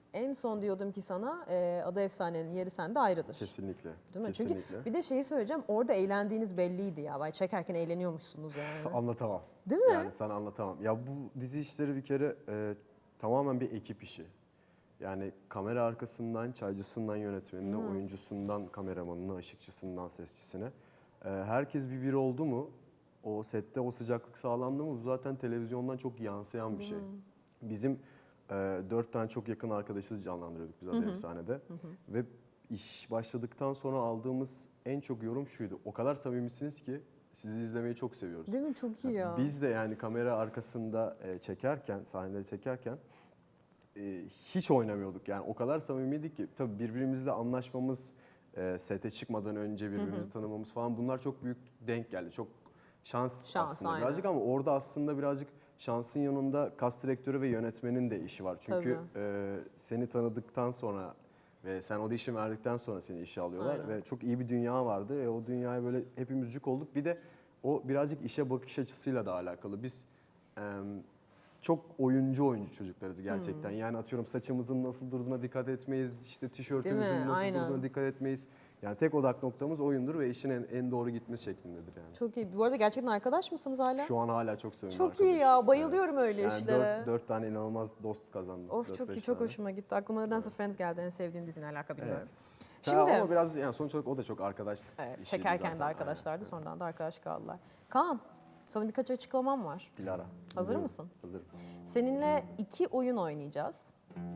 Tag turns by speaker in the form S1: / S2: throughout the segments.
S1: En son diyordum ki sana Ada Efsane'nin yeri sende ayrıdır.
S2: Kesinlikle.
S1: Değil mi?
S2: Kesinlikle.
S1: Çünkü bir de şeyi söyleyeceğim, orada eğlendiğiniz belliydi ya. Vay, çekerken eğleniyormuşsunuz yani.
S2: Anlatamam.
S1: Değil mi?
S2: Yani sana anlatamam. Ya bu dizi işleri bir kere tamamen bir ekip işi. Yani kamera arkasından, çaycısından yönetmenine, oyuncusundan kameramanına, ışıkçısından sesçisine. Herkes bir oldu mu, o sette o sıcaklık sağlandı mı, bu zaten televizyondan çok yansıyan bir şey. Bizim 4 tane çok yakın arkadaşız canlandırıyorduk biz Ada Efsane'de. Ve iş başladıktan sonra aldığımız en çok yorum şuydu: o kadar samimisiniz ki sizi izlemeyi çok seviyoruz.
S1: Değil mi? Çok iyi ya.
S2: Biz de yani kamera arkasında çekerken, sahneleri çekerken hiç oynamıyorduk. Yani o kadar samimiydik ki tabii birbirimizle anlaşmamız, sete çıkmadan önce birbirimizi tanımamız falan, bunlar çok büyük denk geldi. Çok şans aslında
S1: aynen.
S2: birazcık, ama orada aslında birazcık şansın yanında kas direktörü ve yönetmenin de işi var. Çünkü seni tanıdıktan sonra ve sen audition verdikten sonra seni işe alıyorlar.
S1: Aynen.
S2: Ve çok iyi bir dünya vardı ve o dünyaya böyle hepimiz cuk olduk. Bir de o birazcık işe bakış açısıyla da alakalı. Biz çok oyuncu çocuklarız gerçekten. Yani atıyorum saçımızın nasıl durduğuna dikkat etmeyiz, işte tişörtümüzün nasıl
S1: Aynen.
S2: durduğuna dikkat etmeyiz. Yani tek odak noktamız oyundur ve işin en doğru gitmesi şeklindedir yani.
S1: Çok iyi. Bu arada gerçekten arkadaş mısınız hala?
S2: Şu an hala çok seviyorum.
S1: Çok iyi ya. Bayılıyorum öyle
S2: yani
S1: işlere.
S2: 4 tane inanılmaz dost kazandım.
S1: Of,
S2: 4-5
S1: çok iyi, çok
S2: tane.
S1: hoşuma gitti. Aklıma nedense Friends geldi. En sevdiğim diziyle alaka bilmiyorum.
S2: Evet.
S1: Şimdi
S2: Ama biraz yani sonuç olarak o da çok arkadaşlık
S1: evet,
S2: işiydi
S1: çekerken
S2: zaten.
S1: de arkadaşlardı. Sonradan da arkadaş kaldılar. Kaan, sana birkaç açıklamam var.
S2: Dilara.
S1: Hazır
S2: dinliyorum.
S1: mısın?
S2: Hazırım.
S1: Seninle 2 oyun oynayacağız.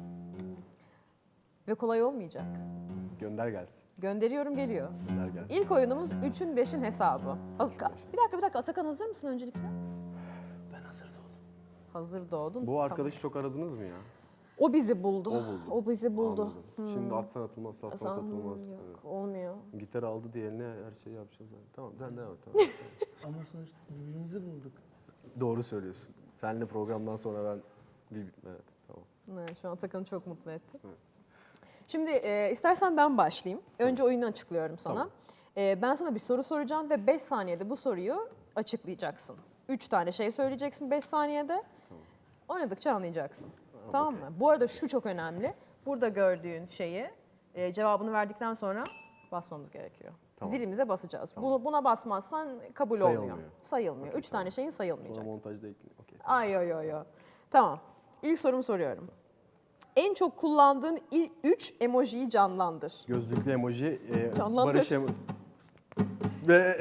S1: Ve kolay olmayacak.
S2: Gönder gelsin.
S1: Gönderiyorum, geliyor.
S2: Gönder gelsin.
S1: İlk oyunumuz 3'ün 5'in hesabı. Bir dakika. Atakan hazır mısın öncelikle?
S3: Ben hazır doğdum.
S1: Hazır doğdun.
S2: Bu arkadaşı çok aradınız mı ya?
S1: O bizi buldu.
S2: O buldu.
S1: O bizi buldu.
S2: Anladım. Şimdi atsan atılmaz, satsan satılmaz.
S1: Yok,
S2: Evet.
S1: olmuyor.
S2: Gitar aldı diye eline her şeyi yapacağız. Yani. Tamam, devam et. Tamam.
S3: Ama sonuçta birbirimizi bulduk.
S2: Doğru söylüyorsun. Seninle programdan sonra ben evet, tamam.
S1: Evet, şu an Atakan'ı çok mutlu etti.
S2: Evet.
S1: Şimdi istersen ben başlayayım. Önce oyunu açıklıyorum sana.
S2: Tamam.
S1: Ben sana bir soru soracağım ve 5 saniyede bu soruyu açıklayacaksın. 3 tane şey söyleyeceksin 5 saniyede.
S2: Tamam.
S1: Oynadıkça anlayacaksın. Tamam mı? Bu arada şu çok önemli. Burada gördüğün şeyi cevabını verdikten sonra basmamız gerekiyor.
S2: Tamam.
S1: Zilimize basacağız.
S2: Tamam.
S1: Buna basmazsan kabul
S2: Sayılmıyor.
S1: olmuyor. Sayılmıyor.
S2: Okey,
S1: 3 tane şeyin
S2: Sonra
S1: sayılmayacak.
S2: montajda ekleyin. Okey.
S1: Ay. Tamam. İlk sorumu soruyorum. En çok kullandığın 3 emojiyi canlandır.
S2: Gözlüklü emoji,
S1: Canlandır.
S2: Barış ve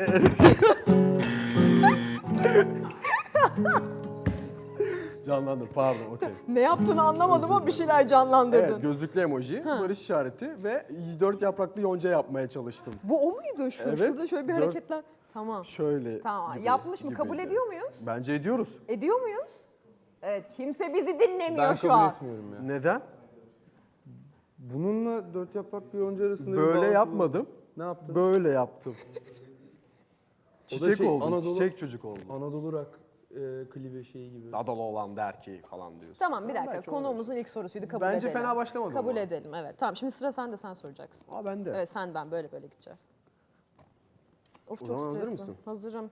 S2: canlandır, pardon, okey.
S1: Ne yaptığını anlamadım ama bir şeyler canlandırdın.
S2: Evet, gözlüklü emoji, barış işareti ve 4 yapraklı yonca yapmaya çalıştım.
S1: Bu o muydu?
S2: Evet.
S1: Şurada şöyle bir
S2: Dört-
S1: hareketler. Tamam.
S2: Şöyle
S1: Tamam.
S2: gibi-
S1: Yapmış mı?
S2: gibiydi.
S1: Kabul ediyor muyuz?
S2: Bence ediyoruz.
S1: Ediyor muyuz? Evet. Kimse bizi dinlemiyor
S3: Ben
S1: şu
S3: kabul
S1: an.
S3: etmiyorum ya.
S2: Neden?
S3: Bununla 4 yaprak bir yonca arasında bir
S2: Böyle
S3: bağ
S2: yapmadım.
S3: Ne yaptın?
S2: Böyle yaptım.
S3: O da
S2: Çiçek
S3: şey,
S2: oldum,
S3: Anadolu-
S2: çiçek çocuk oldum.
S3: Anadolu Rock klibi şeyi gibi.
S2: Adalı olan der ki falan diyorsun.
S1: Tamam, bir dakika.
S2: Belki
S1: Konuğumuzun ilk sorusuydu. Kabul
S2: Bence
S1: edelim.
S2: fena başlamadım
S1: Kabul
S2: ama.
S1: edelim. Evet. Tamam. Şimdi sıra sende. Sen soracaksın.
S2: Aa, ben de.
S1: Evet, sen ben böyle gideceğiz. Of,
S2: O
S1: çok
S2: zaman hazır
S1: stresli.
S2: mısın?
S1: Hazırım.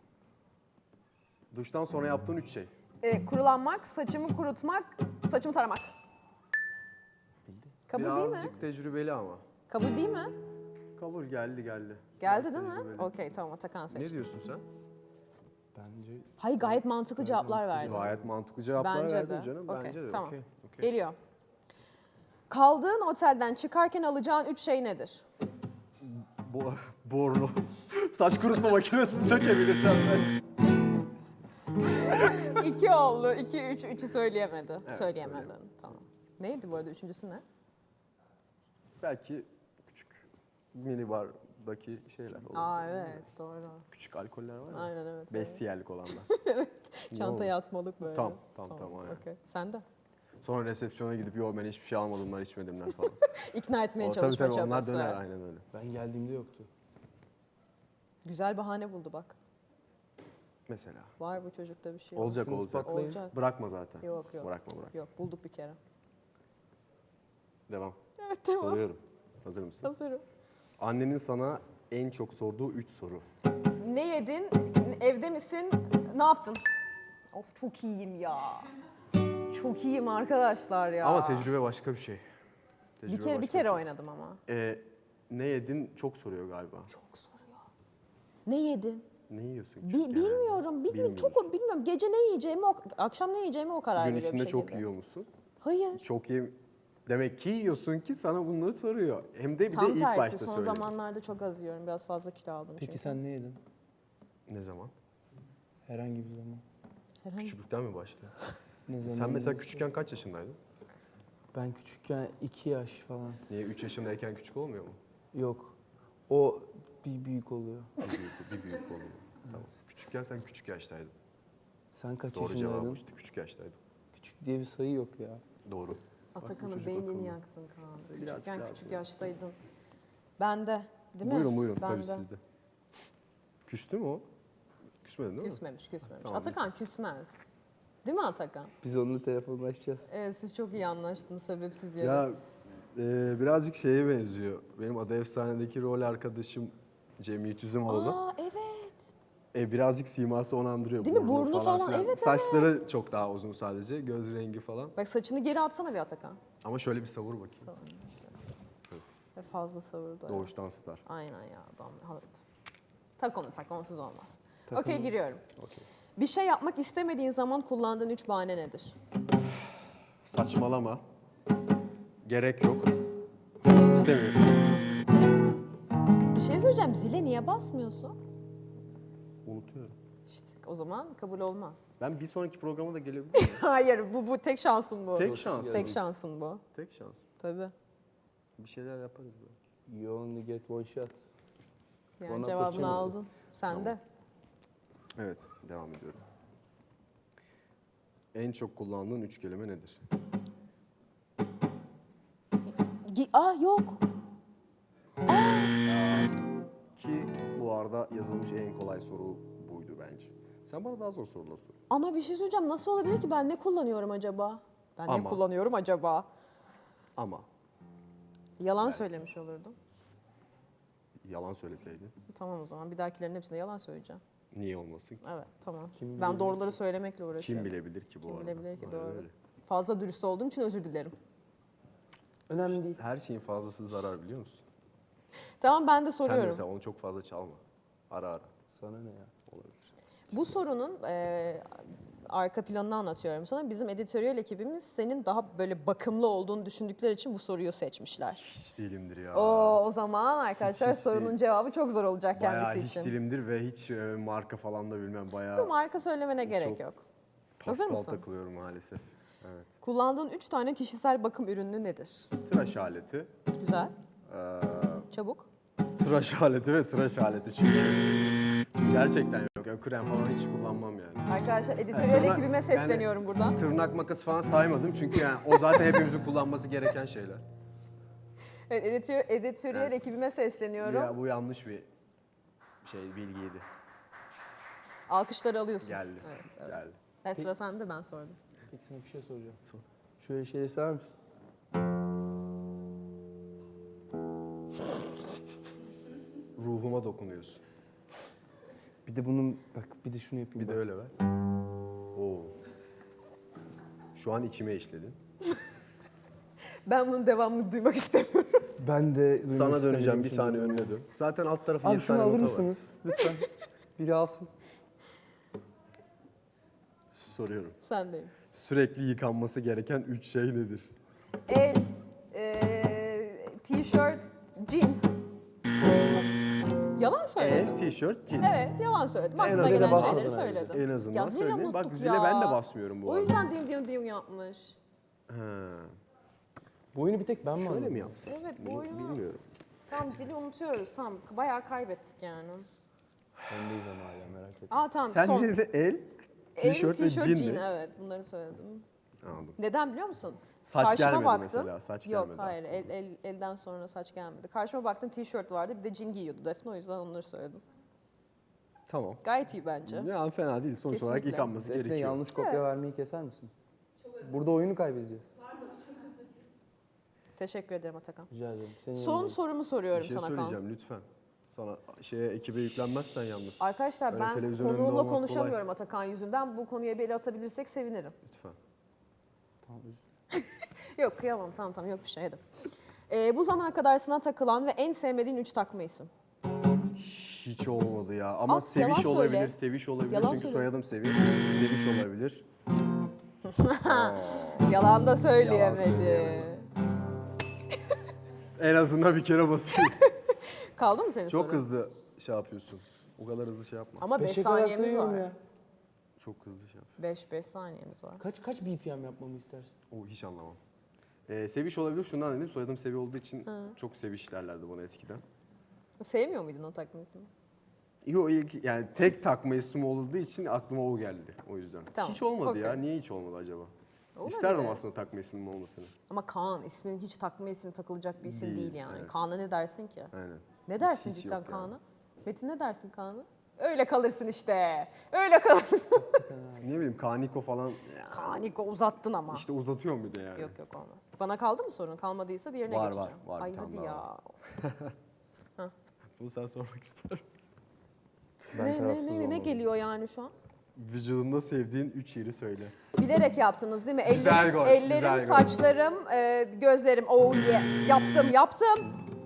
S2: Duştan sonra yaptığın 3 şey.
S1: Kurulanmak, saçımı kurutmak, saçımı taramak. Kabul değil mi?
S2: Birazcık tecrübeli ama.
S1: Kabul değil mi?
S2: Kabul geldi.
S1: Geldi
S2: Biraz
S1: değil mi?
S2: tecrübeli.
S1: Okey, tamam, Atakan seçti.
S2: Ne diyorsun sen?
S3: Bence
S1: Hayır, gayet mantıklı cevaplar
S3: mantıklı
S1: verdi.
S2: Gayet mantıklı cevaplar
S1: Bence
S2: verdin
S1: de.
S2: canım.
S1: Okey,
S2: Bence de.
S1: tamam.
S2: Okey, okey.
S1: Geliyor. Kaldığın otelden çıkarken alacağın 3 şey nedir?
S2: Bornoz. Saç kurutma makinesini sökebilirsen ben.
S1: 2 oldu. 2, 3, 3'ü söyleyemedi.
S2: Evet,
S1: Söyleyemedin.
S2: söyleyemedim.
S1: Tamam. Neydi bu arada? Üçüncüsü ne?
S2: Belki küçük minibardaki şeyler olur.
S1: Aa, evet, doğru.
S2: Küçük alkoller var ya.
S1: Aynen, evet.
S2: 5 siyerlik olanlar.
S1: Çantaya
S2: olmuş?
S1: atmalık böyle.
S2: Tamam, aynen.
S1: Okey. Sen de.
S2: Sonra resepsiyona gidip yo ben hiçbir şey almadımlar, içmedimler falan.
S1: İkna etmeye
S2: Tabii
S1: çalışma
S2: tabii onlar
S1: çabası.
S2: döner, aynen öyle.
S3: ben geldiğimde yoktu.
S1: Güzel bahane buldu bak.
S2: Mesela.
S1: Var bu çocukta bir şey.
S2: Olacak
S3: Sınıf
S2: olacak.
S3: patlayın.
S1: Olacak.
S2: Bırakma zaten.
S1: Yok.
S2: Bırakma.
S1: Yok, bulduk bir kere.
S2: Devam.
S1: Evet, tamam.
S2: Soruyorum. Hazır mısın?
S1: Hazırım.
S2: Annenin sana en çok sorduğu 3 soru.
S1: Ne yedin? Evde misin? Ne yaptın? Of, çok iyiyim ya. Çok iyiyim arkadaşlar ya.
S2: Ama tecrübe başka bir şey.
S1: Bir
S2: Tecrübe
S1: kere
S2: başka bir şey.
S1: oynadım ama.
S2: Ne yedin çok soruyor galiba.
S1: Çok soruyor. Ne yedin?
S2: Ne yiyorsun küçükken?
S1: Bilmiyorum.
S2: Bilmiyorsun.
S1: Bilmiyorum. Gece ne yiyeceğimi, akşam ne yiyeceğimi o karar
S2: Gün
S1: veriyor bir
S2: içinde çok
S1: şekilde.
S2: yiyor musun?
S1: Hayır.
S2: Çok Demek ki yiyorsun ki sana bunları soruyor. Hem de bir
S1: Tam
S2: de ilk
S1: tersi.
S2: başta
S1: Son
S2: söyledi.
S1: zamanlarda çok az yiyorum. Biraz fazla kilo aldım çünkü.
S3: Peki sen ne yedin?
S2: Ne zaman?
S3: Herhangi bir zaman.
S1: Herhangi-
S2: Küçüklükten mi başladı?
S3: Ne zaman?
S2: Sen mesela küçükken kaç yaşındaydın?
S3: Ben küçükken 2 yaş falan.
S2: Niye 3 yaşındayken küçük olmuyor mu?
S3: Yok. O bir büyük oluyor.
S2: Bir büyük oldu. Tamam. Küçükken sen küçük yaştaydın.
S3: Sen kaç
S2: Doğru cevabı
S3: yaşındaydın?
S2: işte küçük yaştaydın.
S3: Küçük diye bir sayı yok ya.
S2: Doğru.
S1: Atakan'ın
S2: çocuk
S1: beynini
S2: akıllı.
S1: yaktın Kaan.
S2: Birazcık
S1: Küçükken
S2: daha
S1: küçük
S2: böyle.
S1: yaştaydın. Ben de. Değil mi?
S2: Buyurun
S1: Ben
S2: tabii
S1: de.
S2: sizde. Küstü mü o? Küsmedin değil mi?
S1: Küsmemiş.
S2: Tamam,
S1: Atakan küsmez. Değil mi Atakan?
S3: Biz onunla telefonlaşacağız.
S1: Evet siz çok iyi anlaştınız sebepsiz yere.
S2: Ya birazcık şeye benziyor. Benim Adı Efsane'deki rol arkadaşım Cem Yiğit Üzümoğlu.
S1: Aa evet.
S2: Birazcık siması onu andırıyor.
S1: Değil mi? Burnu falan,
S2: filan.
S1: evet,
S2: Saçları çok daha uzun sadece. Göz rengi falan.
S1: Bak saçını geri atsana bir Atakan.
S2: Ama şöyle bir savur bakayım.
S1: Ve fazla savurdu. evet.
S2: Doğuştan star.
S1: Aynen ya adam. Evet. Tak onsuz olmaz.
S3: Tak
S1: Okey
S3: onu.
S1: giriyorum.
S2: Okey.
S1: Bir şey yapmak istemediğin zaman kullandığın 3 bahane nedir?
S2: Saçmalama. Gerek yok. İstemiyorum.
S1: Bir şey söyleyeceğim. Zile niye basmıyorsun?
S2: Unutuyorum.
S1: İşte o zaman kabul olmaz.
S2: Ben bir sonraki programa da gelebilir miyim?
S1: Hayır bu tek şansın bu.
S2: Tek şans.
S1: Tek şansın bu.
S2: Tek şans.
S1: Tabii.
S2: Bir şeyler yaparız böyle.
S3: You only get one shot.
S1: Yani
S3: One
S1: cevabını
S3: opportunity.
S1: aldın. Sen
S2: Tamam.
S1: de.
S2: Evet, devam ediyorum. En çok kullandığın 3 kelime nedir?
S1: Yok.
S2: Ki bu arada yazılmış en kolay soru buydu bence. Sen bana daha zor sorular sor.
S1: Ama bir şey söyleyeceğim. Nasıl olabilir ki ben ne kullanıyorum acaba? Ben ne
S2: Ama.
S1: kullanıyorum acaba?
S2: Ama
S1: Yalan söylemiş olurdum.
S2: yalan söyleseydin
S1: Tamam o zaman bir dahakilerin hepsinde yalan söyleyeceğim.
S2: niye olmasın ki?
S1: Evet tamam.
S3: Kim
S1: Ben
S3: bilebilir
S1: doğruları söylemekle uğraşıyorum.
S2: Kim bilebilir ki bu
S1: Kim
S2: arada?
S1: bilebilir ki,
S2: Aynen
S1: doğru.
S2: öyle.
S1: Fazla dürüst olduğum için özür dilerim.
S3: Önemli değil.
S2: Her şeyin fazlası zarar biliyor musun?
S1: Tamam ben de
S2: Sen de
S1: soruyorum.
S2: mesela onu çok fazla çalma. Ara ara
S3: Sana ne ya?
S2: olabilir.
S1: Bu sorunun arka planını anlatıyorum sana. Bizim editöriyel ekibimiz senin daha böyle bakımlı olduğunu düşündükleri için bu soruyu seçmişler.
S2: Hiç değilimdir ya.
S1: O zaman arkadaşlar
S2: Hiç
S1: sorunun
S2: değil.
S1: cevabı çok zor olacak
S2: Bayağı
S1: kendisi
S2: hiç
S1: için.
S2: değilimdir ve hiç marka falan da bilmem.
S1: Bu
S2: Bayağı
S1: marka söylemene gerek
S2: Çok-
S1: yok. Hazır
S2: paspal
S1: mısın?
S2: takılıyorum maalesef. Evet.
S1: Kullandığın 3 tane kişisel bakım ürünü nedir?
S2: Tıraş aleti,
S1: Güzel,
S2: eee,
S1: çabuk.
S2: tıraş aleti ve tıraş aleti çünkü gerçekten yok. Ya, krem falan hiç kullanmam yani.
S1: Arkadaşlar editöriyel
S2: Tırnak-
S1: ekibime sesleniyorum buradan.
S2: Tırnak makası falan saymadım çünkü yani o zaten hepimizin kullanması gereken şeyler.
S1: Evet, editöriyel
S2: Evet.
S1: ekibime sesleniyorum.
S2: Ya bu yanlış bir bilgiydi.
S1: Alkışları alıyorsun.
S2: Geldi.
S1: Evet.
S2: Geldi.
S1: Sıra sende ben sordum.
S3: Peki sana bir şey soracağım.
S2: Sor.
S3: Şöyle şeyleri sever misin?
S2: Ruhuma dokunuyorsun.
S3: Bir de bunun bak bir de şunu yapayım.
S2: Bir de
S3: bak.
S2: öyle ver. Oo. Şu an içime işledin.
S1: Ben bunun devamını duymak istemiyorum.
S3: Ben de duymak
S2: Sana döneceğim
S3: istemiyorum
S2: bir
S3: şimdi.
S2: saniye önüne dön. Zaten alt tarafı
S3: Abi
S2: 7
S3: şunu
S2: tane
S3: alır
S2: nota var.
S3: mısınız lütfen? Biri alsın.
S2: Soruyorum.
S1: Sendeyim.
S2: Sürekli yıkanması gereken 3 şey nedir?
S1: El, t-shirt, jean. Yalan söyledim.
S2: Tişört, cin.
S1: Evet, yalan söyledim. Aklıma
S2: azından
S1: gelen
S3: basmadın
S1: şeyleri
S3: bence.
S1: söyledim.
S2: En azından
S1: Ya zile
S2: söyleyeyim. Bak
S1: unuttuk
S2: zile
S1: ya.
S2: ben de basmıyorum bu
S1: O
S2: arada.
S1: yüzden dim yapmış.
S2: Ha.
S3: Bu oyunu bir tek ben mi
S2: Şöyle
S3: anladım?
S2: mi yapsın?
S1: Evet, bu oyunu
S2: Bilmiyorum.
S1: tam zili unutuyoruz. Tamam, bayağı kaybettik yani.
S3: Bendeyiz ama hala merak etme.
S1: Tamam
S2: Sen
S1: son.
S2: yine de el,
S1: El,
S2: tişört ve
S1: jean,
S2: cin mi?
S1: evet bunları söyledim.
S2: Anladım.
S1: Neden biliyor musun?
S2: Saç
S1: Karşıma
S2: gelmedi
S1: baktım.
S2: mesela. Saç
S1: Yok
S2: gelmedi.
S1: hayır elden sonra saç gelmedi. Karşıma baktım tişört vardı bir de jean giyiyordu Defne o yüzden onları söyledim.
S2: Tamam.
S1: Gayet iyi bence.
S2: Yani fena değil. Sonuç olarak
S1: Kesinlikle.
S2: yıkanması
S3: Defne
S2: gerekiyor.
S3: yanlış kopya
S1: Evet.
S3: vermeyi keser misin? Burada oyunu kaybedeceğiz.
S1: Teşekkür ederim Atakan.
S3: Rica ederim. Senin
S1: Son
S3: yanındayım.
S1: sorumu
S2: Bir
S1: soruyorum
S2: şey
S1: sana Kaan.
S2: söyleyeceğim lütfen. Sana ekibe yüklenmezsen yalnız.
S1: Arkadaşlar
S2: Öyle
S1: ben
S2: televizyon önünde
S1: konuğumla
S2: olmak
S1: konuşamıyorum Atakan yüzünden. Bu konuya bir el atabilirsek sevinirim.
S2: Lütfen.
S3: Tamam özür dilerim.
S1: Yok kıyamam tamam yok bir şey hadi. Bu zamana kadar sana takılan ve en sevmediğin 3 takma isim.
S2: Hiç olmadı ya. Ama
S1: Yalan
S2: Seviş
S1: söyle.
S2: olabilir, Seviş olabilir.
S1: Yalan
S2: Çünkü
S1: söyle.
S2: soyadım Seviş. Seviş olabilir.
S1: Yalan da söyleyemedi.
S2: söyleyemedim. En azından bir kere basayım.
S1: Kaldı mı senin
S2: Çok
S1: sorun?
S2: hızlı şey yapıyorsun. O kadar hızlı şey yapma.
S1: Ama 5
S3: Beşe kadar
S1: saniyemiz
S3: sayıyorum
S1: var.
S3: ya.
S2: Çok hızlı şey yap.
S1: 5 saniyemiz var.
S3: Kaç BPM yapmamı istersin?
S2: O hiç anlamam. Seviş olabilir. Şundan dedim. Soyadım Sevi olduğu için çok Seviş derlerdi bana eskiden.
S1: Sevmiyor muydun o takma ismi?
S2: Yo, yani tek takma isim olduğu için aklıma o geldi o yüzden.
S1: Tamam,
S2: Hiç olmadı ya.
S1: okey.
S2: Niye hiç olmadı acaba?
S1: Olabilir.
S2: İsterdim aslında takma ismim olmasını.
S1: Ama Kaan isminin hiç takma isim takılacak bir isim
S2: Değil,
S1: değil yani.
S2: evet.
S1: Kaan'a ne dersin ki?
S2: Aynen.
S1: Ne dersin
S2: Hiç
S1: cidden
S2: yok yani.
S1: Kaan'a? Metin ne dersin Kaan'a? Öyle kalırsın işte. Öyle kalırsın.
S2: Ne bileyim Kaniko falan.
S1: Kaniko uzattın ama.
S2: İşte uzatıyorum bir de yani.
S1: Yok yok olmaz. Bana kaldı mı sorun? Kalmadıysa diğerine
S2: Var,
S1: geçeceğim.
S2: var.
S1: Ay
S2: Bir tane
S1: hadi
S2: daha
S1: ya.
S2: Bunu sen sormak ister misin?
S1: Ne geliyor yani şu an?
S2: Vücudunda sevdiğin 3 yeri söyle.
S1: Bilerek yaptınız değil mi?
S2: Güzel gol,
S1: Ellerim,
S2: güzel gol.
S1: saçlarım, gözlerim. Oh yes. Yaptım.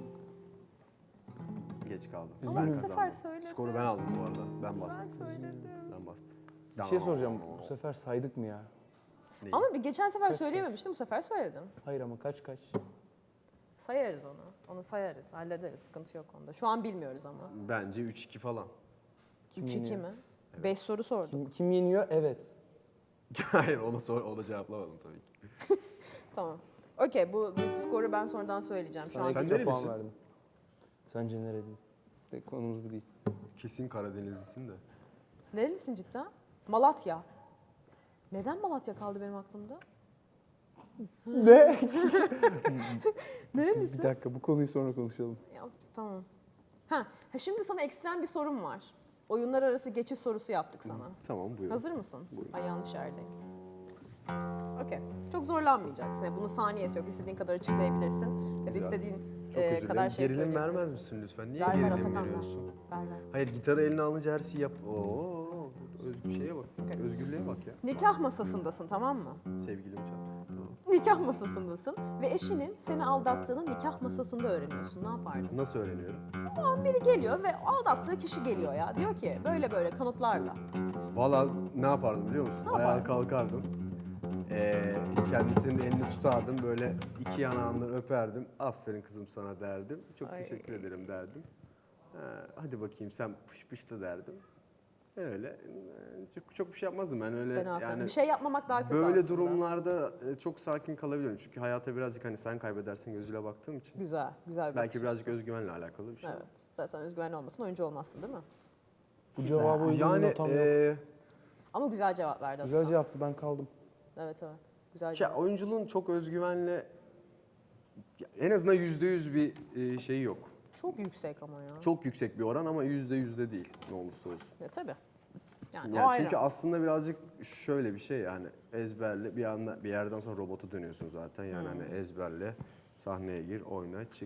S2: Geç kaldım.
S1: Ama
S2: Ben
S1: bu sefer
S2: kazandım.
S1: söyledim.
S2: Skoru ben aldım bu arada. Ben
S1: Ben
S2: bastım.
S1: söyledim.
S2: Ben bastım.
S3: Bir şey soracağım. Bu sefer saydık mı ya?
S2: Neyi?
S1: Ama geçen sefer
S3: Kaç?
S1: söyleyememiştim. Bu sefer söyledim.
S3: Hayır ama kaç?
S1: Sayarız onu. Onu sayarız. Hallederiz. Sıkıntı yok onda. Şu an bilmiyoruz ama.
S2: Bence 3-2 falan.
S3: Kim
S1: 3-2
S3: yeniyor?
S1: mi? 5 soru sordum.
S3: Kim yeniyor? Evet.
S2: Hayır ona cevaplamadım tabii ki.
S1: Tamam. Okey bu skoru ben sonradan söyleyeceğim. Şu
S3: Sana
S1: an
S2: Sen
S3: ekstra puan
S2: nerelisin?
S3: verdim. Sence nerelisin? De konumuz bu değil.
S2: Kesin Karadenizlisin de.
S1: nerelisin cidden? Malatya. Neden Malatya kaldı benim aklımda?
S3: Ne?
S1: Nerelisin?
S3: Bir dakika bu konuyu sonra konuşalım.
S1: Ya, tamam. Ha, şimdi sana ekstrem bir sorum var. Oyunlar arası geçiş sorusu yaptık sana.
S2: Tamam buyurun.
S1: Hazır mısın?
S2: Buyurun.
S1: Ay yanlış yerdeyim. Okey. Çok zorlanmayacaksın. Yani bunun saniyesi yok. İstediğin kadar açıklayabilirsin. Ya da
S2: Güzel.
S1: istediğin
S2: Çok özür
S1: kadar
S2: dilerim.
S1: şey
S2: Gerilim vermez
S1: söyleyebilirsin.
S2: misin lütfen? Niye
S1: Ver ver
S2: gerilim
S1: Atakan ver.
S2: veriyorsun?
S1: Ver ver.
S2: Hayır gitarı eline alınca her şeyi yap. Şeye bak.
S1: Okey.
S2: Özgürlüğe bak ya.
S1: Nikah masasındasın tamam mı?
S2: Sevgilim çat. Tamam.
S1: Nikah masasındasın ve eşinin seni aldattığını nikah masasında öğreniyorsun. Ne yapardın?
S2: Nasıl öğreniyorum?
S1: O an biri geliyor ve aldattığı kişi geliyor ya. Diyor ki böyle kanıtlarla.
S2: Valla ne yapardım biliyor musun?
S1: Ne
S2: Ayağa
S1: yapardın?
S2: kalkardım. Kendisinin elini tutardım. Böyle iki yanağından öperdim. Aferin kızım sana derdim. Çok
S1: Ay.
S2: teşekkür ederim derdim. Hadi bakayım sen pış pışla derdim. Öyle. Çok bir şey yapmazdım ben öyle.
S1: Fena fena.
S2: Yani
S1: Bir şey yapmamak daha kötü
S2: böyle
S1: aslında.
S2: durumlarda çok sakin kalabiliyorum. Çünkü hayata birazcık hani sen kaybedersin gözüyle baktığım için.
S1: Güzel bir
S2: Belki
S1: bakış
S2: birazcık
S1: açısı.
S2: özgüvenle alakalı bir şey.
S1: Evet. Zaten özgüven olmasın oyuncu olmazsın değil mi?
S3: Bu cevabı uygun
S2: Yani
S3: bir notam yok.
S1: Ama güzel cevap verdi
S3: Güzel
S1: Atakan.
S3: cevaptı ben kaldım.
S1: Evet. Güzel
S2: Ya
S1: cevap.
S2: oyunculuğun çok özgüvenle en azından %100 bir şeyi yok.
S1: Çok yüksek ama ya.
S2: Çok yüksek bir oran ama %100 de değil ne olursa olsun.
S1: Ya tabii. Yani,
S2: Yani
S1: o
S2: çünkü
S1: ayrı.
S2: aslında birazcık şöyle bir şey yani ezberle bir yerden sonra robota dönüyorsun zaten yani hani ezberle sahneye gir oyna çık.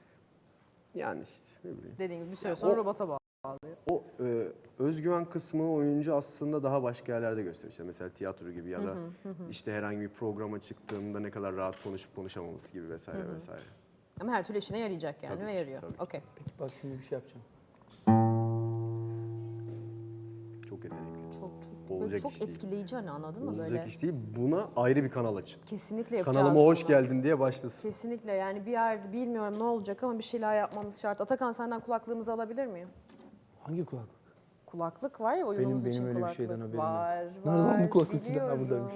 S2: Yani işte ne bileyim.
S1: Dediğim gibi bir süre sonra
S2: o-
S1: robota bağlı.
S2: O özgüven kısmı oyuncu aslında daha başka yerlerde gösteriyor. İşte mesela tiyatro gibi ya da işte herhangi bir programa çıktığında ne kadar rahat konuşup konuşamaması gibi vesaire vesaire.
S1: Ama her türlü işine yarayacak yani
S2: Tabii
S1: ve
S2: ki,
S1: yarıyor.
S2: tabii ki.
S1: Okey.
S3: Peki bak şimdi bir şey yapacağım.
S2: Çok yetenekli.
S1: Çok
S2: Olacak
S1: böyle çok
S2: iş değil.
S1: etkileyici hani anladın mı
S2: Olacak
S1: böyle?
S2: iş değil. Buna ayrı bir kanal açın.
S1: Kesinlikle yapacağız.
S2: Kanalıma hoş
S1: bunu.
S2: geldin diye başlasın.
S1: Kesinlikle yani bir yerde bilmiyorum ne olacak ama bir şeyler yapmamız şart. Atakan senden kulaklığımızı alabilir miyim?
S3: Hangi kulaklık?
S1: Kulaklık var ya oyunumuz
S3: Benim
S1: için
S3: öyle bir
S1: kulaklık.
S3: şeyden haberim yok.
S1: var.
S3: Nerede lan bu kulaklık? Ha,
S1: biliyorum.
S3: buradaymış.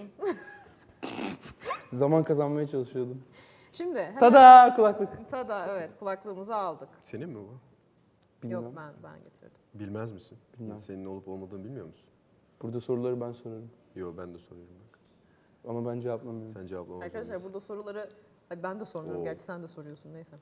S3: Zaman kazanmaya çalışıyordum.
S1: Şimdi hemen
S3: Tada kulaklık.
S1: Tada evet kulaklığımızı aldık.
S2: Senin mi bu?
S3: Bilmem.
S1: Yok ben getirdim.
S2: Bilmez misin?
S3: Bilmem.
S2: Senin olup olmadığını bilmiyor musun?
S3: Burada soruları ben sorarım.
S2: Yo ben de soruyorum bak.
S3: Ama ben cevaplamıyorum.
S2: Sen cevaplamak
S1: Arkadaşlar
S2: zorundasın.
S1: burada soruları Ay, ben de sormuyorum
S2: Oo.
S1: gerçi sen de soruyorsun neyse.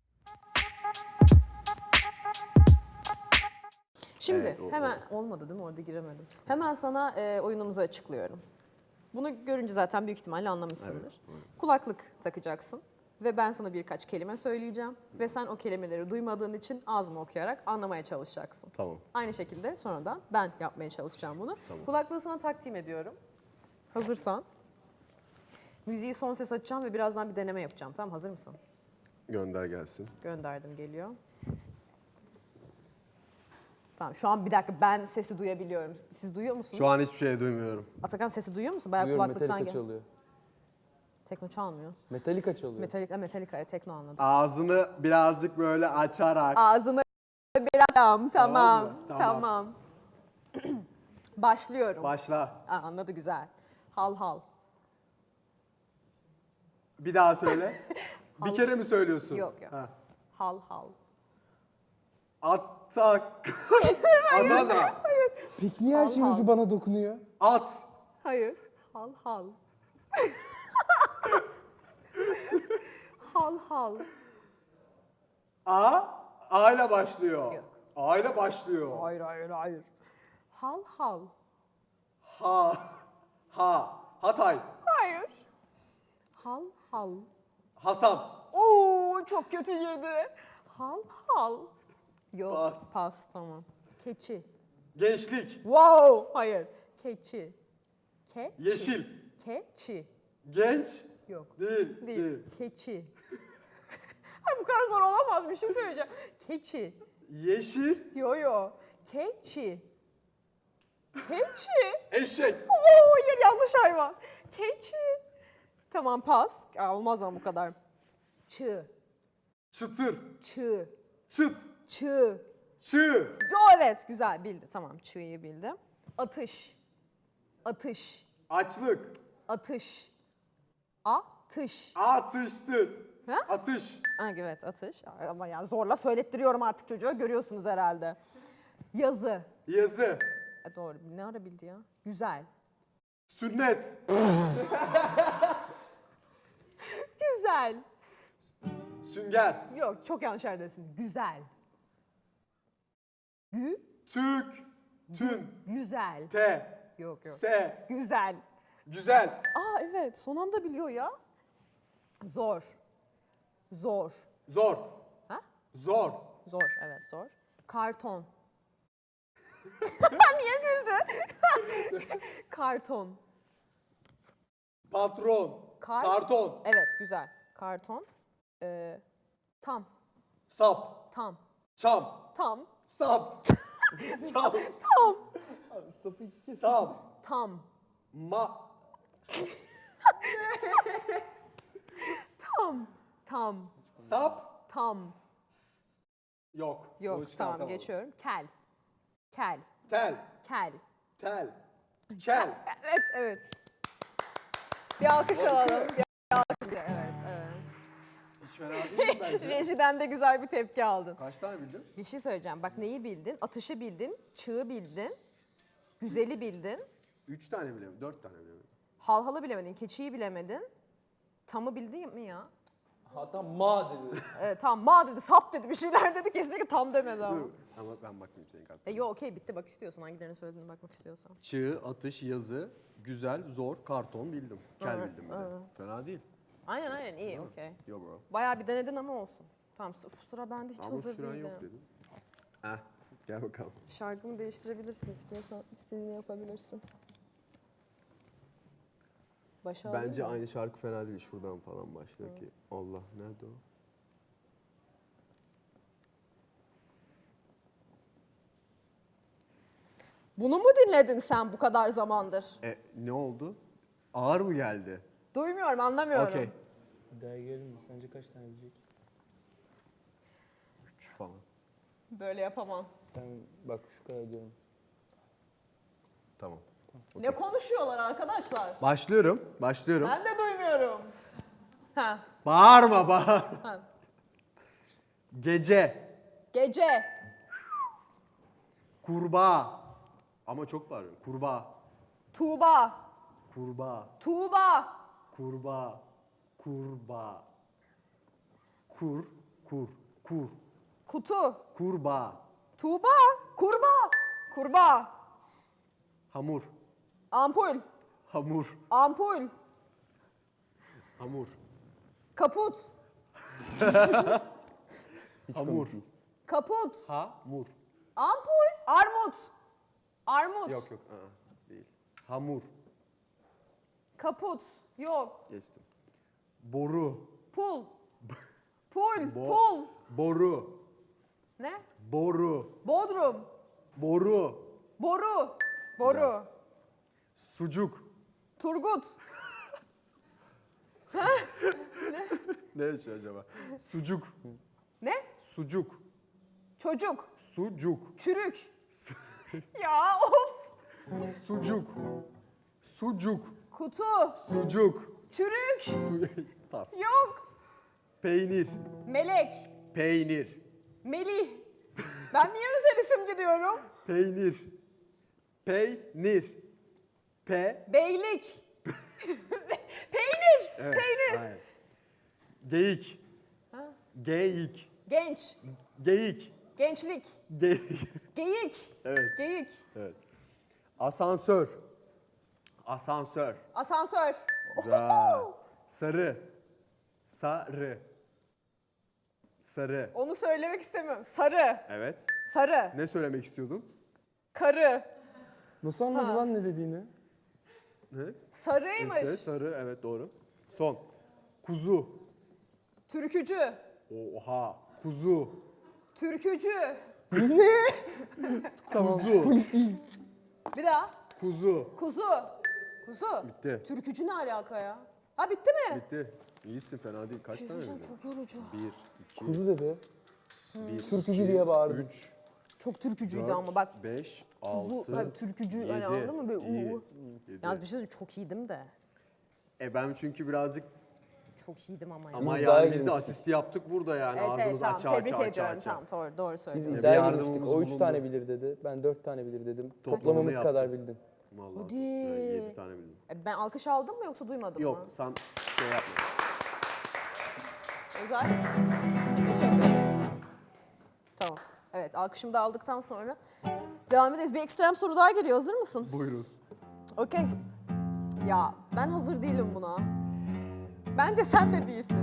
S1: Şimdi
S2: Evet,
S1: hemen olmadı değil mi orada giremedim. Hemen sana oyunumuzu açıklıyorum. Bunu görünce zaten büyük ihtimalle anlamışsındır.
S2: Evet.
S1: Kulaklık takacaksın ve ben sana birkaç kelime söyleyeceğim ve sen o kelimeleri duymadığın için ağzımı okuyarak anlamaya çalışacaksın.
S2: Tamam.
S1: Aynı şekilde sonra da ben yapmaya çalışacağım bunu.
S2: Tamam.
S1: Kulaklığı sana takdim ediyorum. Hazırsan. Müziği son ses açacağım ve birazdan bir deneme yapacağım. Tamam hazır mısın?
S2: Gönder gelsin.
S1: Gönderdim, geliyor. Tamam, şu an bir dakika, ben sesi duyabiliyorum. Siz duyuyor musunuz?
S2: Şu an hiçbir şey duymuyorum.
S1: Atakan sesi duyuyor musun? Bayağı
S3: Duyuyorum,
S1: kulaklıktan
S3: Metallica
S1: gel.
S3: çalıyor.
S1: Tekno çalmıyor.
S3: Metallica çalıyor.
S1: Metallica, tekno anladım.
S2: Ağzını birazcık böyle açarak.
S1: Ağzımı biraz... Tamam,
S2: Tamam mı?
S1: tamam. Başlıyorum.
S2: Başla.
S1: Aa, anladı, güzel. Hal hal.
S2: Bir daha söyle. Bir kere mi söylüyorsun?
S1: Yok, yok.
S2: Ha.
S1: Hal hal.
S2: Atak. Adana.
S3: Peki niye her şeyin
S1: Al, al.
S3: ucu bana dokunuyor?
S2: At.
S1: Hayır. Hal hal. Hal hal.
S2: A ile başlıyor.
S1: Yok.
S2: A ile başlıyor.
S1: Hayır. Hal hal.
S2: Hatay.
S1: Hayır. Hal hal.
S2: Hasan.
S1: Oo, çok kötü girdi. Hal hal. Yok.
S2: Pas.
S1: Pas, tamam. Keçi.
S2: Gençlik.
S1: Wow. Hayır. Keçi. Keçi.
S2: Yeşil.
S1: Keçi.
S2: Genç.
S1: Yok.
S2: Değil.
S1: Değil. Keçi. Ay, bu kadar zor olamaz, bir şey söyleyeceğim. Keçi.
S2: Yeşil.
S1: Yo. Keçi. Keçi.
S2: Eşek.
S1: Oo, hayır, yanlış hayvan. Keçi. Tamam, pas. Aa, olmaz ama bu kadar. Çığ.
S2: Çıtır.
S1: Çığ.
S2: Çıt.
S1: Çığ.
S2: Çığ.
S1: Yo, evet, güzel bildi. Tamam, çığ'yı bildim. Atış. Atış.
S2: Açlık.
S1: Atış. Atış.
S2: Atıştır.
S1: Ha?
S2: Atış.
S1: Ha, evet, atış. Ama yani zorla söylettiriyorum artık çocuğa. Görüyorsunuz herhalde. Yazı.
S2: Yazı.
S1: Doğru. Ne ara bildi ya? Güzel.
S2: Sünnet.
S1: Güzel.
S2: Sünger.
S1: Yok, çok yanlış yerdesin. Güzel.
S2: Tük. Tün.
S1: Güzel.
S2: T.
S1: Yok.
S2: S.
S1: Güzel.
S2: Güzel.
S1: Aa, evet, son anda biliyor ya. Zor.
S2: Zor.
S1: Ha?
S2: Zor.
S1: Zor, evet, zor. Karton. Niye güldü? Karton.
S2: Patron. Karton.
S1: Evet, güzel. Karton. Tam.
S2: Sap.
S1: Tam.
S2: Çam.
S1: Tam.
S2: Sap. Sap.
S1: Tam.
S2: Sap.
S1: Tam.
S2: Ma.
S1: Tam.
S2: Sap.
S1: Tam.
S2: Yok. Bunu
S1: Yok, tamam,
S2: çıkartamam.
S1: geçiyorum. Kel. Kel.
S2: Tel.
S1: Kel.
S2: Tel. Kel.
S1: Evet. Bir alkış alalım. Bir alkış. Evet.
S2: Hiç fena değil mi bence?
S1: Rejiden de güzel bir tepki aldın.
S2: Kaç tane bildin?
S1: Bir şey söyleyeceğim. Bak, neyi bildin? Atışı bildin, çığı bildin, güzeli bildin,
S2: 3 tane bilemedim. 4 tane bilemedim.
S1: halhalı bilemedin, keçiyi bilemedin. Tamı bildin mi ya?
S3: Hatta ma dedi.
S1: Tamam, ma dedi, sap dedi, bir şeyler dedi, kesinlikle tam demedi ama.
S2: Dur. Ama ben bakayım senin kartına.
S1: Yo, okey, bitti, bak istiyorsan, hangilerini söylediğini bakmak istiyorsan.
S2: Çığ, atış, yazı, güzel, zor, karton bildim. Kel
S1: Evet,
S2: bildim bir de.
S1: evet.
S2: Fena değil.
S1: Aynen, iyi, okey.
S2: Yo bro.
S1: Bayağı bir denedin ama olsun. Tamam, sıra bende, hiç
S2: Ama
S1: hazır
S2: süren
S1: değilim.
S2: yok dedin. Heh, gel bakalım.
S1: Şarkımı değiştirebilirsin, istiyorsan istediğini yapabilirsin. Başa alayım
S2: Bence
S1: mı?
S2: aynı şarkı fena değil. Şuradan falan başlıyor ki. Allah, nerede o?
S1: Bunu mu dinledin sen bu kadar zamandır?
S2: Ne oldu? Ağır mı geldi?
S1: Duymuyorum, anlamıyorum.
S2: Okey.
S3: Daha gelelim mi? Sence kaç tane bilecek?
S2: Falan.
S1: Böyle yapamam.
S3: Ben bak şu kadar diyorum.
S2: Tamam.
S1: Ne konuşuyorlar arkadaşlar?
S2: Başlıyorum.
S1: Ben de duymuyorum. Ha.
S2: Bağırma, bağır.
S1: Ha.
S2: Gece.
S1: Gece.
S2: Kurbağa. Ama çok bağırıyorum. Kurbağa.
S1: Tuğba.
S2: Kurbağa.
S1: Tuğba.
S2: Kurbağa. Kurbağa. Kur.
S1: Kutu.
S2: Kurbağa.
S1: Tuğba. Kurbağa. Kurbağa.
S2: Hamur.
S1: Ampul.
S2: Hamur.
S1: Ampul.
S2: Hamur.
S1: Kaput.
S3: Hiç
S2: Hamur.
S3: komik değil.
S1: Kaput.
S2: Hamur.
S1: Ampul. Armut. Armut.
S2: Yok. Değil. Hamur.
S1: Kaput. Yok.
S2: Geçtim. Boru.
S1: Pul. Pul.
S2: Boru.
S1: Ne?
S2: Boru.
S1: Bodrum.
S2: Boru.
S1: Boru.
S2: Sucuk.
S1: Turgut.
S2: Ne yaşıyor acaba? Sucuk.
S1: Ne?
S2: Sucuk.
S1: Çocuk.
S2: Sucuk.
S1: Çürük. Ya of.
S2: Sucuk. Sucuk.
S1: Kutu.
S2: Sucuk.
S1: Çürük.
S2: Pas.
S1: Yok.
S2: Peynir.
S1: Melek.
S2: Peynir.
S1: Melih. Ben niye özel isim gidiyorum?
S2: Peynir. Peynir.
S1: Beylik. Peynir.
S2: Evet,
S1: Peynir.
S2: aynen. Geyik.
S1: Ha?
S2: Geyik.
S1: Genç.
S2: Geyik.
S1: Gençlik.
S2: Geyik.
S1: Geyik.
S2: Evet.
S1: Geyik.
S2: Evet. Asansör. Asansör.
S1: Asansör.
S2: Güzel. Sarı. Sarı. Sarı.
S1: Onu söylemek istemiyorum. Sarı.
S2: Evet.
S1: Sarı.
S2: Ne söylemek istiyordun?
S1: Karı.
S3: Nasıl anladı lan ne dediğini?
S2: Ne?
S1: Sarıymış.
S2: İşte sarı. Evet doğru. Son. Kuzu.
S1: Türkücü.
S2: Oha. Kuzu.
S1: Türkücü.
S2: Kuzu.
S1: Bir daha.
S2: Kuzu.
S1: Kuzu. Kuzu.
S2: Bitti.
S1: Türkücü ne alaka ya? Ha bitti mi?
S2: Bitti. İyisin, fena değil. Kaç tane
S1: Hocam
S2: bildin?
S1: çok yorucu.
S2: 1, 2,
S3: Kuzu dedi.
S2: 1,
S3: Türkücü diye bağırdı.
S2: 3,
S1: Çok türkücüydü
S2: 4,
S1: ama bak.
S2: 5,
S1: Kuzu,
S2: 6,
S1: hani türkücü hani anladın mı? Böyle uuu. Yalnız bir şey söyleyeyim, çok iyiydim de.
S2: Ben çünkü birazcık
S1: Çok iyiydim ama ya.
S2: ama
S3: Biz daha
S2: yani biz de
S3: iyiymiştik.
S2: asisti yaptık burada yani.
S1: Evet evet
S2: Ağzımız
S1: tamam
S2: aça
S1: tebrik
S2: aça aça
S1: ediyorum
S2: aça.
S1: tamam doğru
S3: Biz
S1: söylüyorsun.
S2: bir
S3: iddiaya
S2: yardımımız
S3: girmiştik. O 3
S2: bulundu.
S3: tane bilir dedi. Ben 4 tane bilir dedim.
S2: Toplamını
S3: Toplamamız
S2: yaptık.
S3: kadar bildin.
S2: Vallahi
S1: Hadi.
S2: 7 tane bildim.
S1: Ben alkış aldım mı yoksa duymadım
S2: Yok
S1: mı?
S2: sen şey yapma.
S1: Güzel. Teşekkür ederim. Tamam. Evet alkışımı da aldıktan sonra devam ederiz. Bir ekstrem soru daha geliyor. Hazır mısın?
S2: Buyurun.
S1: Okey. Ya ben hazır değilim buna. Bence sen de değilsin.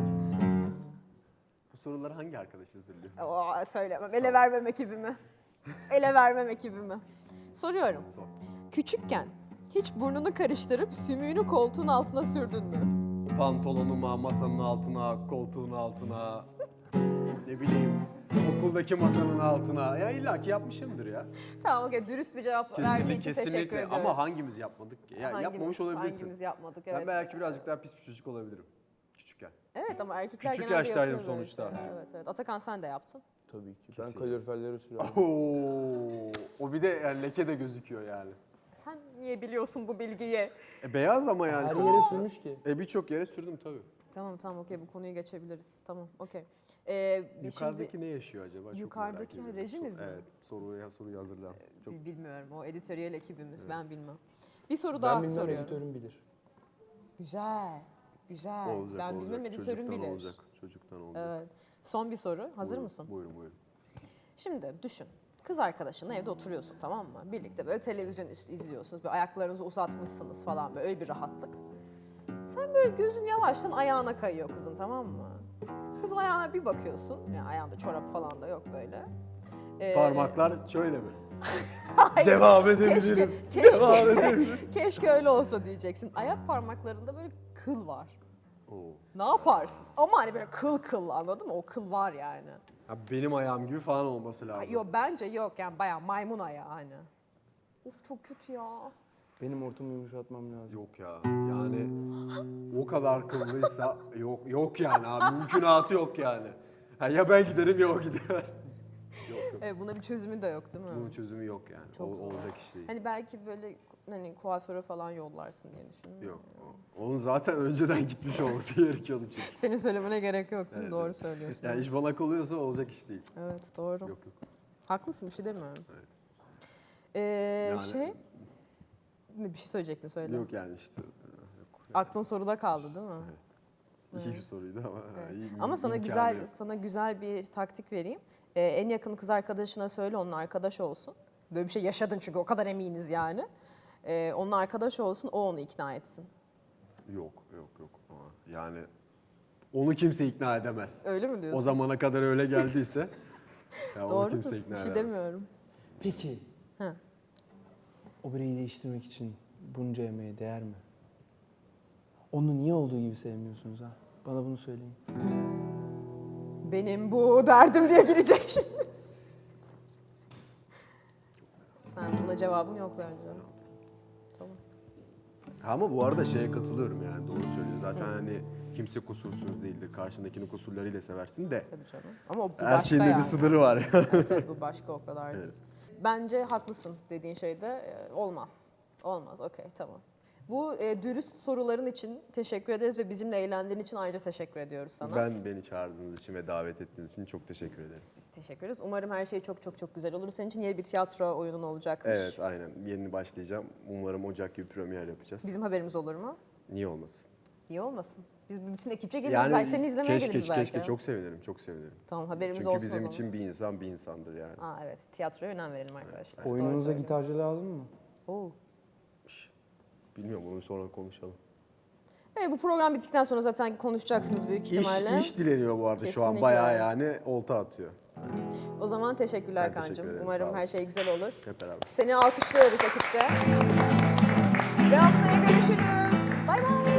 S2: Bu soruları hangi arkadaş hazırlıyor?
S1: Söylemem. Ele vermem ekibimi. Ele vermem ekibimi. Soruyorum.
S2: Sor.
S1: Küçükken hiç burnunu karıştırıp sümüğünü koltuğun altına sürdün mü?
S2: Pantolonuma, masanın altına, koltuğun altına, ne bileyim okuldaki masanın altına. Ya illaki yapmışımdır ya.
S1: Tamam okey dürüst bir cevap verdiğin için teşekkür
S2: Kesinlikle.
S1: ediyoruz.
S2: Ama hangimiz yapmadık ki? Ya yapmamış olabilirsin.
S1: Hangimiz yapmadık
S2: Ben
S1: evet.
S2: belki birazcık daha pis bir çocuk olabilirim küçükken.
S1: Evet ama erkekler
S2: Küçük
S1: genelde
S2: yaştaydım
S1: yapıyor böyle
S2: sonuçta.
S1: şeyler. Evet evet. Atakan sen de yaptın.
S3: Tabii ki. Ben
S2: Kesinlikle.
S3: kaloriferleri sürüyorum.
S2: Oo, o bir de yani leke de gözüküyor yani.
S1: Sen niye biliyorsun bu bilgiyi?
S2: Beyaz ama yani.
S3: Her yere sürmüş ki.
S2: Birçok yere sürdüm tabii.
S1: Tamam okey bu konuyu geçebiliriz. Tamam okey. Biz
S2: Yukarıdaki ne yaşıyor acaba? Çok
S1: Yukarıdaki
S2: merak ediyorum.
S1: rejimiz mi?
S2: Evet. Soruyu hazırlan. Çok
S1: bilmiyorum o editöriyel ekibimiz ben bilmem. Bir soru daha
S3: Ben bilmem
S1: soruyorum.
S3: editörüm bilir.
S1: Güzel. Güzel.
S2: olacak.
S1: ben
S2: olacak.
S1: bilmem editörüm
S2: Çocuktan
S1: bilir.
S2: olacak. Çocuktan olacak.
S1: Evet. Son bir soru. Hazır
S2: Buyurun,
S1: mısın?
S2: Buyurun.
S1: Şimdi düşün. Kız arkadaşınla evde oturuyorsun tamam mı? Birlikte böyle televizyon üstü izliyorsunuz. Böyle ayaklarınızı uzatmışsınız falan böyle öyle bir rahatlık. Sen böyle gözün yavaştan ayağına kayıyor kızın tamam mı? Kızın ayağına bir bakıyorsun. Yani ayağında çorap falan da yok böyle.
S2: Parmaklar şöyle mi?
S1: Hayır.
S2: Devam
S1: Keşke,
S2: edebilirim.
S1: keşke öyle olsa diyeceksin. Ayak parmaklarında böyle kıl var.
S2: Oo.
S1: Ne yaparsın? Ama hani böyle kıl anladın mı? O kıl var yani.
S2: Ya benim ayağım gibi falan olması lazım.
S1: Yok bence yok yani bayağı maymun ayağı hani. Of çok kötü ya.
S3: Benim ortamı yumuşatmam lazım.
S2: Yok ya. Yani o kadar kıllıysa yok yani abi. Mümkünatı yok yani. Ha, ya ben giderim ya o gider. Yok.
S1: Evet, buna bir çözümü de yok değil mi?
S2: Bunun çözümü yok yani.
S1: Çok zor.
S2: Olacak iş değil.
S1: Hani belki böyle hani kuaföre falan yollarsın diye düşündüm.
S2: Yok. Onun zaten önceden gitmiş olması gerekiyordu çünkü.
S1: Senin söylemene gerek yok değil mi?
S2: Evet,
S1: Doğru
S2: evet.
S1: söylüyorsun.
S2: Yani iş bana oluyorsa olacak iş değil.
S1: Evet doğru.
S2: Yok.
S1: Haklısın bir şey demiyorum.
S2: Evet.
S1: Yani... Bir şey söyleyecektin söyle.
S2: Yok yani işte.
S1: Aklın soruda kaldı değil mi?
S2: Evet. İyi bir soruydu ama.
S1: Evet.
S2: iyi,
S1: Ama
S2: imkanı yok.
S1: sana güzel bir taktik vereyim. En yakın kız arkadaşına söyle onunla arkadaş olsun. Böyle bir şey yaşadın çünkü o kadar eminiz yani. Onunla arkadaş olsun o onu ikna etsin.
S2: Yok. Ama yani onu kimse ikna edemez.
S1: Öyle mi diyorsun?
S2: O zamana kadar öyle geldiyse ya onu
S1: Doğrudur.
S2: kimse
S1: Bir
S2: ikna
S1: şey
S2: edemez.
S1: demiyorum.
S3: Peki.
S1: Ha.
S3: O bireyi değiştirmek için bunca emeğe değer mi? Onu niye olduğu gibi sevmiyorsunuz ha? Bana bunu söyleyin.
S1: benim bu derdim diye girecek şimdi. Sen buna cevabın yok bence. Tamam.
S2: Ama bu arada şeye katılıyorum yani doğru söylüyor. Zaten hani kimse kusursuz değildir. Karşındakini kusurlarıyla seversin de.
S1: Tabii canım. Ama o bu
S2: Her
S1: başka
S2: şeyin de
S1: yani.
S2: bir sınırı var.
S1: Evet, evet, bu başka o kadar değil.
S2: Evet.
S1: Bence haklısın dediğin şeyde olmaz. Olmaz, okey, tamam. Bu dürüst soruların için teşekkür ederiz ve bizimle eğlendiğin için ayrıca teşekkür ediyoruz sana.
S2: Beni çağırdığınız için ve davet ettiğiniz için çok teşekkür ederim.
S1: Biz teşekkür ederiz. Umarım her şey çok çok çok güzel olur. Senin için yeni bir tiyatro oyunun olacakmış.
S2: Evet aynen. Yeni başlayacağım. Umarım Ocak gibi premier yapacağız.
S1: Bizim haberimiz olur mu?
S2: Niye olmasın?
S1: Niye olmasın? Biz bütün ekipçe geliriz. Belki seni izlemeye geliriz belki.
S2: Keşke çok sevinirim. Çok sevinirim.
S1: Tamam, haberimiz
S2: Çünkü
S1: olsun o
S2: bizim
S1: zaman.
S2: için bir insan bir insandır yani.
S1: Aa, evet, tiyatroya önem verelim arkadaşlar. Doğru
S3: Oyununuza
S1: söylüyorsun.
S3: gitarcı lazım mı?
S1: Oo.
S2: Bilmiyorum onu sonra konuşalım.
S1: Evet, bu program bittikten sonra zaten konuşacaksınız büyük ihtimalle.
S2: İş dileniyor bu arada şu an
S1: Kesinlikle.
S2: bayağı yani olta atıyor.
S1: O zaman teşekkürler
S2: Ben teşekkür
S1: Kaan'cığım.
S2: ederim,
S1: Umarım
S2: sağ
S1: her
S2: olasın.
S1: şey güzel olur.
S2: Hep beraber.
S1: Seni alkışlıyoruz ekipçe. Ve haftaya görüşürüz. Bay bay.